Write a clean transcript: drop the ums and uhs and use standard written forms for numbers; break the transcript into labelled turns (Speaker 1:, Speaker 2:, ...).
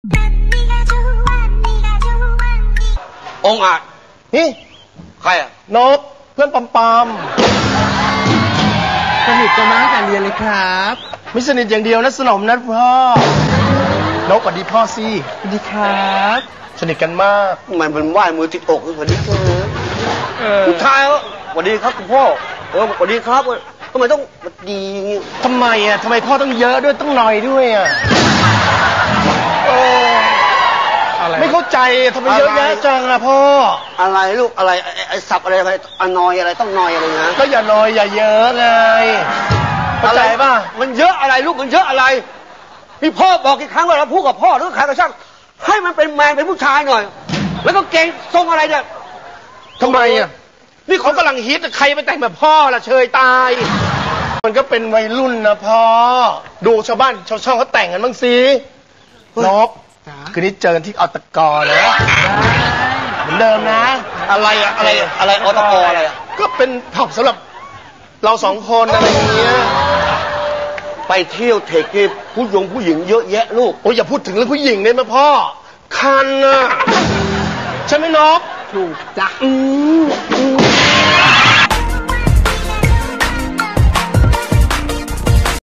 Speaker 1: องอาจ
Speaker 2: นี่
Speaker 1: ใครอะ
Speaker 2: นกเพื่อนปอม
Speaker 3: สนิทกันมาตั้งแต่เรียนเลยครับ
Speaker 2: ไม่สนิทอย่างเดียวนะสนมนะพ่อนกสวัสดีพ่อสิ
Speaker 3: สวัสดีครับ
Speaker 2: สนิทกันมาก
Speaker 1: มันเป็นไหว้มือติดอกสวัสดีครับผู้ชายสวัสดีครับคุณพ่อสวัสดีครับทำไมต้องสวัสดี
Speaker 2: ทำไมพ่อต้องเยอะด้วยต้องหน่อยด้วยไม่เข้าใจทำไมเยอะแยะจังพ่อ
Speaker 1: อะไรลูกอะไรไอ้สับอะไรอนอยอะไรต้องนอยอะไรนะ
Speaker 2: ก็อย่านอยอย่าเยอะไงเข้าใจป่ะ
Speaker 1: มันเยอะอะไรลูกมันเยอะอะไรพี่พ่อบอกกี่ครั้งว่าเราพูดกับพ่อหรือใครก็ช่างให้มันเป็นแมนเป็นผู้ชายหน่อยแล้วก็เก่งทรงอะไรเนี่ย
Speaker 2: ทำไมนี่เขากำลังฮิตใครไปแต่งแบบพ่อล่ะเชยตายมันก็เป็นวัยรุ่นนะพ่อดูชาวบ้านชาวช่องเขาแต่งกันบ้างสินกคืนนี้เจอกันที่อตกนะเหมือนเดิมนะ
Speaker 1: อะไรอตกอะไร
Speaker 2: ก็เป็นผับสำหรับเราสองคนอะไรอย่างเงี้ย
Speaker 1: ไปเที่ยวเทคนิคผู้หญิงเยอะแยะลูก
Speaker 2: โอ้ยอย่าพูดถึงเรื่องผู้หญิงได้ไหมพ่อคันใช่ไหมนก
Speaker 3: ถูกจ้ะ